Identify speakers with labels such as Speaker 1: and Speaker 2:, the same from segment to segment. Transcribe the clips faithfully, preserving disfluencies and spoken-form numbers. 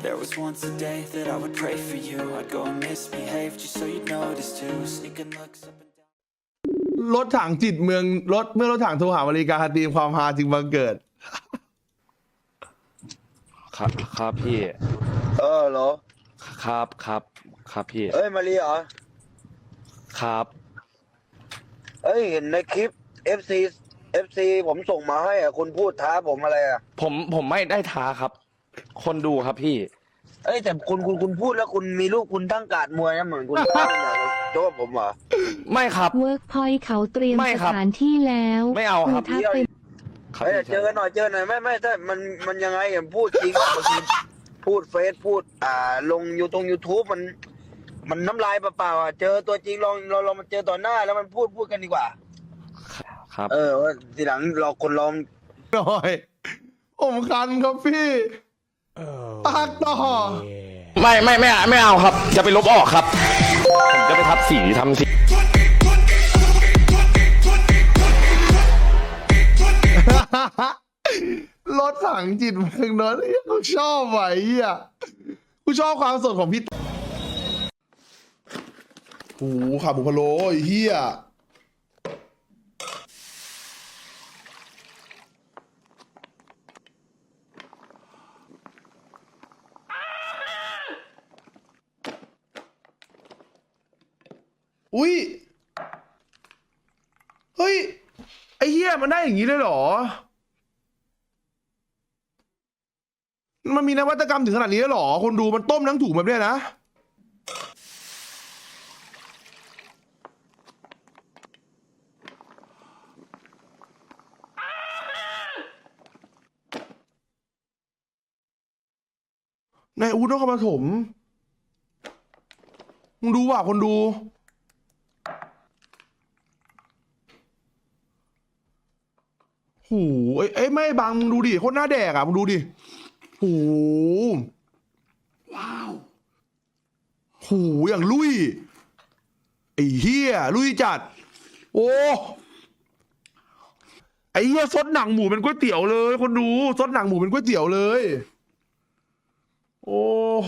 Speaker 1: There was once a day that I would pray for you. I'd go and misbehave just so you'd notice too. Sneaking looks up and down.
Speaker 2: รถถังจิตเมืองรถเมื่อรถถังโทรหาบริการตีมความฮาจึงบังเกิด
Speaker 3: ครับครับพี่
Speaker 4: เออเหรอ
Speaker 3: ครับครับครับพี่
Speaker 4: เอ้ยมารีเหรอ
Speaker 3: ครับ
Speaker 4: เอ้ยเห็นในคลิป เอฟ ซี เอฟ ซี ผมส่งมาให้อ่ะคุณพูดท้าผมอะไรอ่ะ
Speaker 3: ผมผมไม่ได้ท้าครับ คนดูครับพี่
Speaker 4: เอ้ยแต่คุณคุณคุณพูดแล้วคุณมีลูกคุณตั้งการดมวยนะเหมือนคุณท้าผมอ่ะโจ้ผมเหรอ
Speaker 3: ไม่ครับ
Speaker 5: เวิร์กพอยต์เขาเตรียม
Speaker 3: ไม่
Speaker 5: ส
Speaker 3: ครับ
Speaker 5: ถานที่แล้ว
Speaker 3: ไม่เอาครับ
Speaker 5: ถ้าเป็น
Speaker 3: ครับ
Speaker 4: เอ้ย
Speaker 3: พี่
Speaker 4: เจอกันหน่อยเจอหน่อยไม่ไม่ถ้ามันมันยังไงอ่ะพูดจริงว่าบางทีพูดเฟซพูดอ่าลงยูตรงยูทูบมัน มันน้ำลายเปล่าๆอ่ะเจอตัวจริงลองเราเรามาเจอต่อหน้าแล้วมันพูดพูดกันดีกว่า
Speaker 3: ครับ
Speaker 4: เออว่าทีหลังเราคนลอง
Speaker 2: หน่อยผมคันครับพี่ปากต่อ
Speaker 3: ไม่ไม่ไม่ไม่เอาครับ จะไปลบออกครับ ผมจะไปทับสีทำสี
Speaker 2: รถถังจิตเมืองนนท์กูชอบไหวอ่ะกูชอบความสดของพี่โอ้โหขาบุพะโลไอ้เหี้ยอุ้ยเฮ้ยไอ้เหี้ยมันได้อย่างนี้เลยเหรอมันมีนวัตกรรมถึงขนาดนี้เลยเหรอคนดูมันต้มทั้งถุงแบบเนี้ยนะนายอู๊ดนครปฐมมึงดูว่ะคนดูโหเอ้ยเอ้ยไม่บังมึงดูดิโคตรหน้าแดกอ่ะมึงดูดิโหว้าวโหอย่างลุยไอ้เฮียลุยจัดโอ้ไอ้เฮียซดหนังหมูเป็นก๋วยเตี๋ยวเลยคนดูซดหนังหมูเป็นก๋วยเตี๋ยวเลยโอ้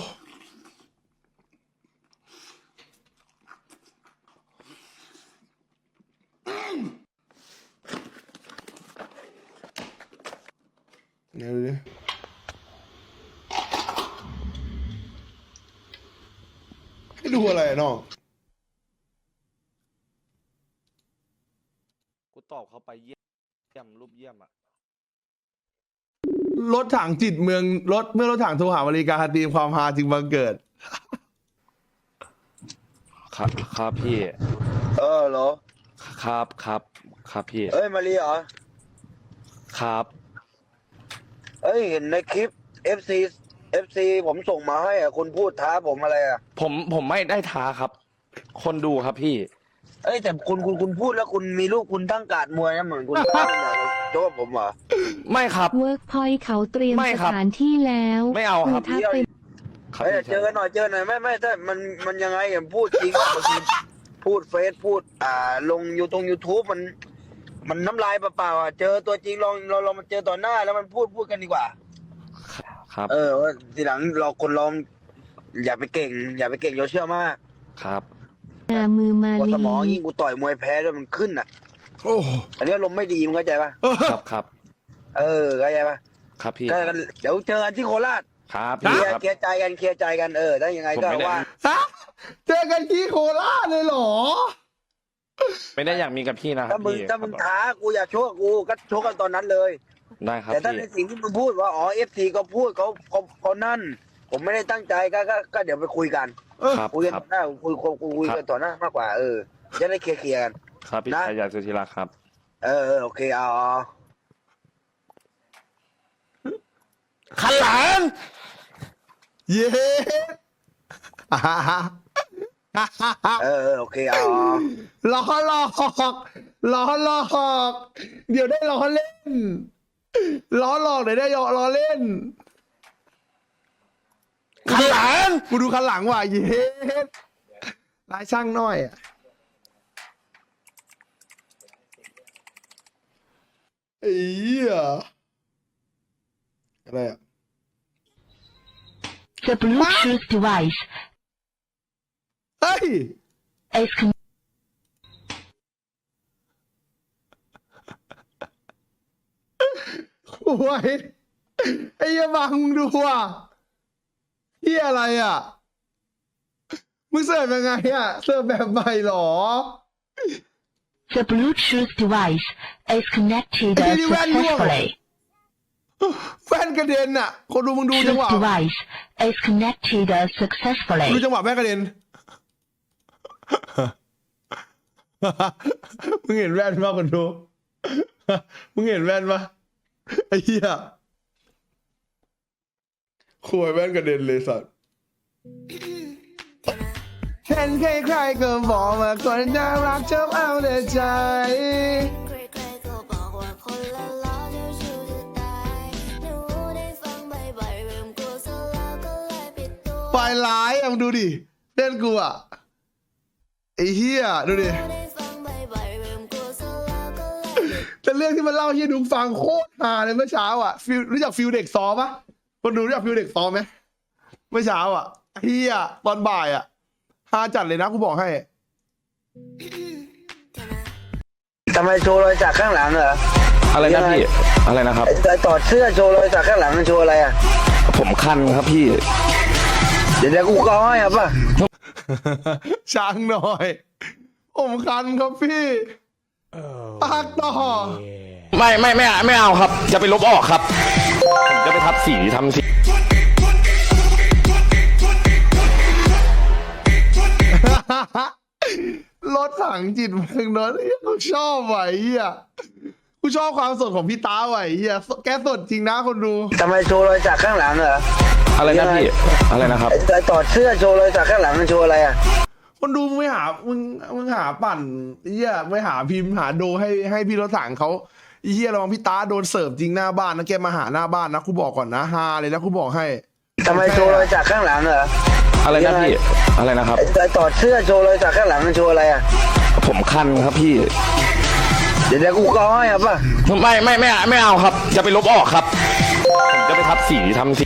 Speaker 2: เดี๋ยวดิให้ดูอะไรน้อง
Speaker 3: กูตอบเขาไปเยี่ยมรูปเยี่ยมอ่ะ
Speaker 2: รถถังจิตเมืองรถเมื่อรถถังโทรหาบริการตีมความฮาจึงบังเกิด
Speaker 3: ครับครับพี่
Speaker 4: เออเหรอ
Speaker 3: ครับครับครับพี่
Speaker 4: เอ้ยมารีเหรอ
Speaker 3: ครับ
Speaker 4: เอ้ยเห็นในคลิป เอฟ ซี เอฟ ซี ผมส่งมาให้อ่ะคุณพูดท้าผมอะไรอ่ะ
Speaker 3: ผมผมไม่ได้ท้าครับ คนดูครับพี่
Speaker 4: เอ้ยแต่คุณคุณคุณพูดแล้วคุณมีลูกคุณตั้งการดมวยนะเหมือนคุณท้าผมอ่ะโจ้ผมเหรอ
Speaker 3: ไม่ครับ
Speaker 5: เวิร์กพอยต์เขาเตรียม
Speaker 3: ไม่
Speaker 5: ส
Speaker 3: ครับ
Speaker 5: ถานที่แล้ว
Speaker 3: ไม่เอาครับ
Speaker 5: ถ้าเป็น
Speaker 3: ครับ
Speaker 4: เอ้ย
Speaker 3: พี่
Speaker 4: เจอกันหน่อยเจอหน่อยไม่ไม่ถ้ามันมันยังไงอ่ะพูดจริงว่าบางทีพูดเฟซพูดอ่าลงยูตรงยูทูบมัน มันน้ำลายเปล่าๆอ่ะเจอตัวจริงลองเราเรามาเจอต่อหน้าแล้วมันพูดพูดกันดีกว่า
Speaker 3: ครับ
Speaker 4: เออว่าทีหลังเราคนลอง อย่าไปเก่ง อย่าไปเก่งโยเชื่อมาก
Speaker 3: ครับ
Speaker 5: นามือมา
Speaker 4: ว่า
Speaker 5: ลี
Speaker 4: สมองยิ่งกูต่อยมวยแพ้ด้วยมันขึ้นอ่ะ
Speaker 2: โอ้
Speaker 4: อันนี้ลมณ์ไม่ดีมึงเข้าใจปะ
Speaker 3: ครับครับ
Speaker 4: เออเข้าใจปะ
Speaker 3: ครับพี่
Speaker 4: ก็กันเดี๋ยวเจอกันที่โคราช
Speaker 3: ครับ
Speaker 4: เค
Speaker 3: พี่
Speaker 4: ลียร์
Speaker 3: ครับ
Speaker 4: เคลียร์ใจกันเคลียร์ใจกันเออถ้ายังไง
Speaker 3: ผม
Speaker 4: ก็
Speaker 3: ไม่ได้
Speaker 4: ว่า
Speaker 2: ฮะเจอกันที่โคราชเลยเหรอ
Speaker 3: ไม่ได้อยากมีกับพี่นะครั
Speaker 4: ถ้า
Speaker 3: บ
Speaker 4: มึง
Speaker 3: พี่
Speaker 4: ถ้ามึงท้ากูอยากชกกับกูก็ชกกันตอนนั้นเลย
Speaker 3: ได้ครับ
Speaker 4: แต่ถ้า
Speaker 3: พี่
Speaker 4: ในสิ่งที่มึงพูดว่าอ๋อเอฟซีก็พูดเขาเขาเขานั่น ผมไม่ได้ตั้งใจก็ก็ก็เดี๋ยวไปคุยกัน
Speaker 3: ครับ
Speaker 4: คุยกัน
Speaker 3: ครับ
Speaker 4: ต่อหน้าคุยคุยคุยคุยกันต่อหน้ามากกว่าเออจะได้เคลียร์เคลียร์กัน
Speaker 3: ครับพี่
Speaker 4: นะ
Speaker 3: ชายาสุธีรักครับ
Speaker 4: เออเออโอเคเอาเอา
Speaker 3: ขันหลัง
Speaker 2: เย้
Speaker 4: เออเออโอเคเอาเอา
Speaker 2: ล้อหลอกล้อหลอกเดี๋ยวได้ล้อเล่นล้อหลอกเดี๋ยวได้ล้อเล่น
Speaker 3: ขันหลัง
Speaker 2: กูดูคันหลังว่ะเย้ลายช่างน้อยอ่ะไอ้เหี้ยอะไรอ่ะ
Speaker 6: The Bluetooth device
Speaker 2: เฮ้ย
Speaker 6: is con-
Speaker 2: โอ้ยไอ้เหี้ยบังมึงดูอ่ะเหี้ยอะไรอ่ะมึงเสิร์ฟยังไงอ่ะเสิร์ฟแบบใหม่เหรอ
Speaker 6: The Bluetooth device is connected
Speaker 2: Hey, you ran wrong.
Speaker 6: successfully.
Speaker 2: แฟนกระเด็นอ่ะ คนดูมึงดูจังห
Speaker 6: Bluetooth
Speaker 2: วะ
Speaker 6: device is connected
Speaker 2: ดู
Speaker 6: successfully.
Speaker 2: จังหวะแม่กระเด็น มึงเห็นแว่นป่ะคนดู มึงเห็นแว่นป่ะไอ้เหี้ยขวยแว่นกระเด็นเลยสัตว์เห็นใครๆก็บอกว่าคนน่ารักชอบเอาแต่ใจ
Speaker 7: ใครๆก็บอกว่าคนละล้อเจ้าชู้จะตายหนูได้ฟังบ่อยๆเริ่มกลัวซะแล้วก็เลยปิดตัว
Speaker 2: ปลายร้ายอ่ะมึงดูดิเล่นกูอ่ะไอ้เหี้ยดูดิ
Speaker 7: ได้ฟังบ่อยๆเริ่มกลัวซะแล้วก็เลยปิด
Speaker 2: แต่เรื่องที่มันเล่าให้ดุงฟังโคตรฮาเลยเมื่อเช้าอ่ะฟิลรู้จักฟิลเด็กซ้อมปะคนดูรู้จักฟิลเด็กซ้อมไหมเมื่อเช้าอ่ะเฮียตอนบ่ายอ่ะฮาจัดเลยนะกูบอกให้
Speaker 4: ทำไมโชว์รอยสักข้างหลังเหรอ
Speaker 3: อะไรนะพี่ อะไรนะครับ
Speaker 4: ไอ้ถอดเสื้อโชว์รอยสักข้างหลังมันโชว์อะไรอ่ะ
Speaker 3: ผมคันครับพี่
Speaker 4: เดี๋ยวเดี๋ยวกูก็ให้อ่ะป่ะ
Speaker 2: ช้างหน่อยผมคันครับพี่ปากต่อ
Speaker 3: ไม่ไม่ไม่ไม่เอาครับ จะไปลบออกครับ ผมจะไปทับสีทำสี
Speaker 2: รถถังจิตเมืองนนท์กูชอบไหวเฮียกูชอบความสดของพี่ตาไหวเฮียแกสดจริงนะคนดู
Speaker 4: ทำไมโชว์รอยสักข้างหลังเหรอ
Speaker 3: อะไรนะพี่ อะไรนะครับ
Speaker 4: ไอ้ถอดเสื้อโชว์รอยสักข้างหลังมันโชว์อะไรอ่ะ
Speaker 2: คนดูมึงไม่หามึงมึงหาปั่นเฮียไม่หาพิมพ์หาโดให้ให้พี่รถถังเขาเฮียระวังพี่ตาโดนเสิร์ฟจริงหน้าบ้านนะแกมาหาหน้าบ้านนะกูบอกก่อนนะฮาเลยนะกูบอกให้
Speaker 4: ทำไมโชว์รอยสักข้างหลังเหรอ
Speaker 3: อะไรนะพี่ อะไรนะครับ
Speaker 4: ไอ้ถอดเสื้อโชว์รอยสักข้างหลังมันโชว์อะไรอ่ะ
Speaker 3: ผมคันครับพี่
Speaker 4: เดี๋ยวเดี๋ยวกูก็ให้อ่ะป่ะ
Speaker 3: ไม่ไม่ไม่ไม่เอาครับ จะไปลบออกครับ ผมจะไปทับสีทำสี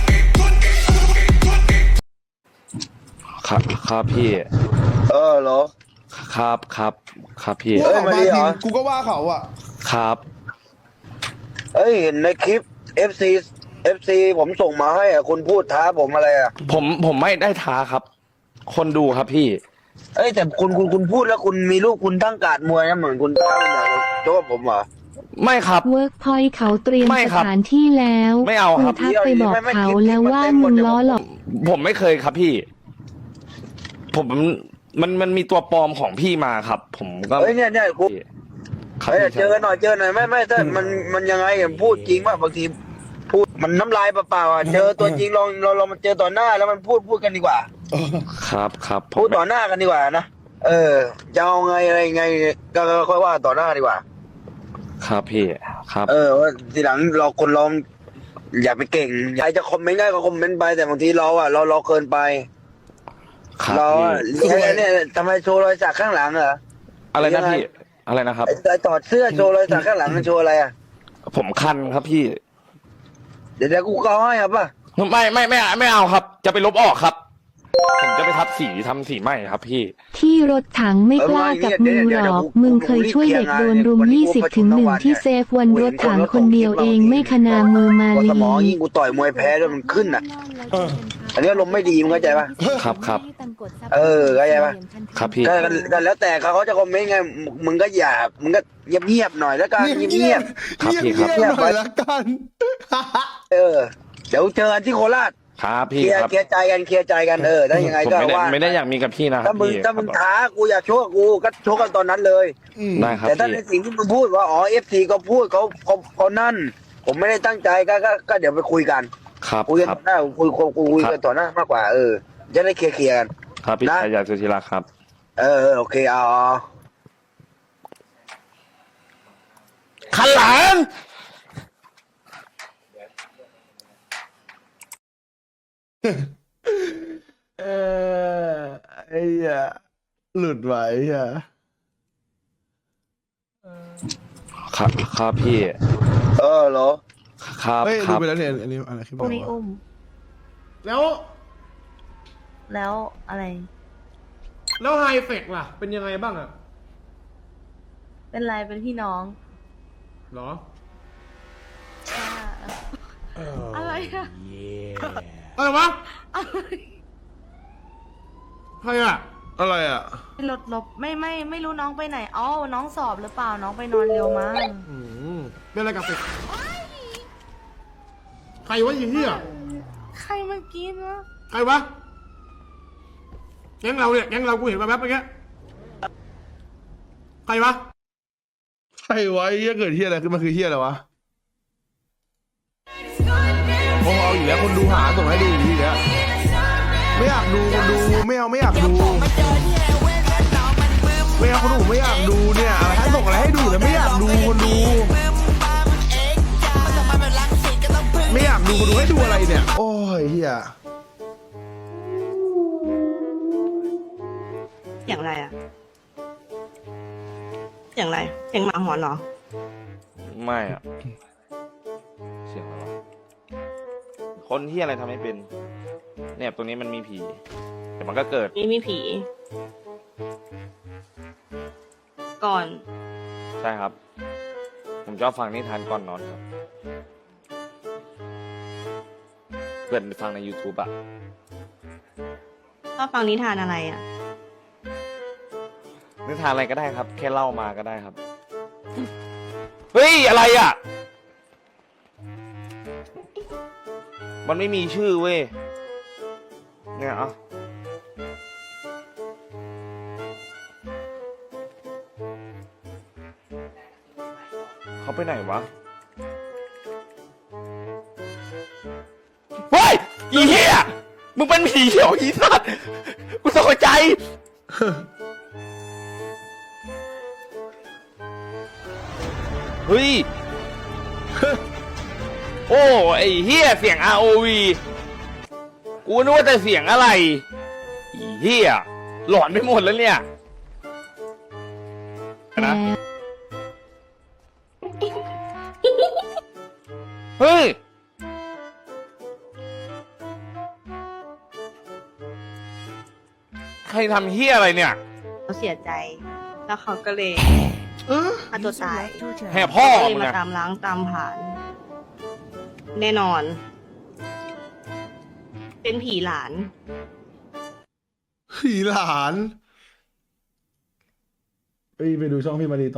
Speaker 3: ครับครับพี่
Speaker 4: เออเหรอ
Speaker 3: ครับครับครับพี่
Speaker 2: กู
Speaker 4: เอ้ย
Speaker 2: เขา
Speaker 4: มา
Speaker 2: มา
Speaker 4: ดิเหร
Speaker 2: พิ
Speaker 4: อ
Speaker 2: มพ์กูก็ว่าเขาอ่ะ
Speaker 3: ครับ
Speaker 4: เอ้ยเห็นในคลิป เอฟ ซี เอฟ ซี ผมส่งมาให้อ่ะคุณพูดท้าผมอะไรอ่ะ
Speaker 3: ผมผมไม่ได้ท้าครับ คนดูครับพี่
Speaker 4: เอ้ยแต่คุณคุณคุณพูดแล้วคุณมีลูกคุณตั้งการ์ดมวยนะเหมือนคุณท้าคุณอยากโจ้ผมเหรอ
Speaker 3: ไม่ครับ
Speaker 5: เวิร์กพอยต์เขาเตรียม
Speaker 3: ไม่
Speaker 5: ส
Speaker 3: ครับ
Speaker 5: ถานที่แล้ว
Speaker 3: ไม่เอาครับ
Speaker 5: ณทักไปบอกเขาแล้วว่ามึงล้อหลอก
Speaker 3: ผมไม่เคยครับพี่ ผมมันมันมีตัวปลอมของพี่มาครับ ผมก็
Speaker 4: เอ้ยเนี่ยเนี่ยกู
Speaker 3: ครับ
Speaker 4: เอ้ย
Speaker 3: พี่
Speaker 4: เจอหน่อยเจอหน่อยไม่ไม่ถ้ามันมันยังไงอ่ะพูดจริงป่ะบางทีพูดมันน้ำลายเปล่าๆอ่ะเจอตัวจริงลองเราเรามาเจอต่อหน้าแล้วมันพูดพูดกันดีกว่า
Speaker 3: ครับครับผม
Speaker 4: พูดต่อหน้ากันดีกว่านะเออจะเอาไงอะไรไงก็ก็ค่อยว่าต่อหน้าดีกว่า
Speaker 3: ครับพี่ครับ
Speaker 4: เออว่าทีหลังเราคนเราอย่าไปเก่งใครจะคอมเมนต์ได้ก็คอมเมนต์ไปแต่บางทีเราอ่ะเราเราเกินไป
Speaker 3: ครับ
Speaker 4: เรา
Speaker 3: พี่
Speaker 4: อ่ะเนี่ยเนี่ยทำไมโชว์รอยสักข้างหลังเหรอ
Speaker 3: อะไรนะพี่ อะไรนะครับ
Speaker 4: ไอ้ไอ้ถอดเสื้อโชว์รอยสักข้างหลังมันโชว์อะไรอ่ะ
Speaker 3: ผมคันครับพี่
Speaker 4: เดี๋ยวเดี๋ยวกูก็ให้อ่ะป่ะ
Speaker 3: ไม่ไม่ไม่ไม่เอาครับ จะไปลบออกครับ ผมจะไปทับสีทำสีใหม่ครับพี่
Speaker 5: ที่รถถังไม่กล้ากับมึงหรอก มึงเคยช่วยเด็กโดนรุมยี่สิบถึงหนึ่งที่เซฟวันรถถังคนเดียวเองไม่ขนามือมา
Speaker 4: พอ
Speaker 5: ลี
Speaker 4: สมองยิ่งกูต่อยมวยแพ้ด้วยมันขึ้นอ่ะ อันนี้ลมณ์ไม่ดีมึงเข้าใจป่ะ
Speaker 3: ครับครับ
Speaker 4: เออเข้าใจปะ
Speaker 3: ครับพี่
Speaker 4: ก็ก็แล้วแต่เขาเขาจะคอมเมนต์ไงมึงก็อย่ามึงก็เงียบเงียบๆหน่อยแล้วกันเงียบเงียบ
Speaker 3: ครับพี่ครับ
Speaker 2: เงียบๆหน่อยละกัน
Speaker 4: ๆเออเดี๋ยวเจอกันที่โคราช
Speaker 3: ครับ
Speaker 4: เค
Speaker 3: พี่
Speaker 4: ลียร์
Speaker 3: ครับ
Speaker 4: เคลียร์ใจกันเคลียร์ใจกันเออถ้ายังไง
Speaker 3: ผม
Speaker 4: ก็
Speaker 3: ไม่ได้
Speaker 4: ว่า
Speaker 3: ไม่ได้อยากมีกับพี่นะครั
Speaker 4: ถ้า
Speaker 3: บ
Speaker 4: มึง
Speaker 3: พี่
Speaker 4: ถ้ามึงท้ากูอยากโชกกับกูก็โชกกันตอนนั้นเลย
Speaker 3: ได้ครับ
Speaker 4: แต่ถ้า
Speaker 3: พี่
Speaker 4: ในสิ่งที่มึงพูดว่าอ๋อเอฟซีก็พูดเขาเขาเขานั่น ผมไม่ได้ตั้งใจก็ก็ก็เดี๋ยวไปคุยกัน
Speaker 3: ครับ
Speaker 4: คุยกัน
Speaker 3: ครับ
Speaker 4: ต่อหน้าคุยคุยคุยคุยกันต่อหน้ามากกว่าเออจะได้เคลียร์เคลียร์กัน
Speaker 3: ครับพี่
Speaker 4: นะ
Speaker 3: ชายาสุธิรักษ์ครับ
Speaker 4: เออเออโอเคเอาเอา
Speaker 3: ขันหลัง
Speaker 2: เออไอ้เหี้ยหลุดไหวเหี้ย
Speaker 3: ครับครับพี่
Speaker 4: เออเหรอ
Speaker 3: ครับ
Speaker 2: เฮ้ย
Speaker 3: ค
Speaker 2: ดู
Speaker 3: รับ
Speaker 2: ไปแล้วเนี่ยอันนี้อะไรคลิป
Speaker 8: โอ้
Speaker 2: อะไร
Speaker 8: ใน
Speaker 2: วะ
Speaker 8: อุ้มแล้ว
Speaker 9: แล้วอะไร
Speaker 8: แล้วไฮเฟกล่ะ เป็นยังไงบ้างอะ
Speaker 9: เป็นไรเป็นพี่น้อง
Speaker 8: เหรอ
Speaker 9: อะไรอะ
Speaker 8: อะไรวะ
Speaker 9: อะไร
Speaker 8: ใครอะ
Speaker 2: อะไรอ่ะ
Speaker 9: รถลบไม่ไม่ไม่รู้น้องไปไหนอ๋อน้องสอบหรือเปล่าน้องไปนอนเร็วมั้ง
Speaker 8: อืมเป็นอะไรกับเฟกใครวะยี่เหี้ย
Speaker 9: ใครเมื่อกี้นะ
Speaker 8: ใครวะแก๊งเราเนี่ยแก๊งเรากูเห็นมาแป๊บเมื่อกี้ใครวะ
Speaker 2: ใครวะไอ้เหี้ยเกิดเหี้ยอะไรขึ้นมาคือเหี้ยอะไรวะโอ้เอาอยู่แล้วคนดูหาส่งให้ดูอยู่ทีแล้วไม่อยากดูคนดูไม่เอาไม่อยากดูไม่เอาคนดูไม่อยากดูเนี่ยอะไรให้ส่งอะไรให้ดูแต่ไม่อยากดูคนดูไม่อยากดูคนดูให้ดูอะไรเนี่ยโอ้ยเหี้ย
Speaker 9: อย่างไรอะอย่างไรเสียงหมาหอนเหรอ
Speaker 3: ไม่อะเสียงอะไรวะคนที่อะไรทำให้เป็น เนี่ยตรงนี้มันมีผีเดี๋ยวมันก็เกิด
Speaker 9: นี่มีผี ก่อน
Speaker 3: ใช่ครับ ผมชอบฟังนิทานก่อนนอนครับเพื่อนไปฟังใน YouTube อะ
Speaker 9: ชอบฟังนิทานอะไรอะ
Speaker 3: นิทานอะไรก็ได้ครับ แค่เล่ามาก็ได้ครับ เฮ้ย อะไรอ่ะ มันไม่มีชื่อเว้ย เนี่ยอ่ะเขาไปไหนวะ เฮ้ย อีเหี้ย มึงเป็นผีเหรออีสัตว์กูตกใจ เฮ้ย โอ้ ไอ้เฮียเสียง อาร์ โอ วี กูนึกว่าแต่เสียงอะไรไอ้เฮียหลอนไปหมดแล้วเนี่ยนะ เฮ้ย ใครทำเฮียอะไรเนี่ย
Speaker 9: เขาเสียใจ แล้วเขาก็เลยฆ่าตัวตาย
Speaker 3: แห่พ่อ
Speaker 9: ก็เลย
Speaker 3: มึง
Speaker 9: มา
Speaker 3: อะ
Speaker 9: ตามล้างตามผ่าน แน่นอน เป็นผีหลาน
Speaker 2: ผีหลาน ไปไปดูช่องพี่มารีต่อ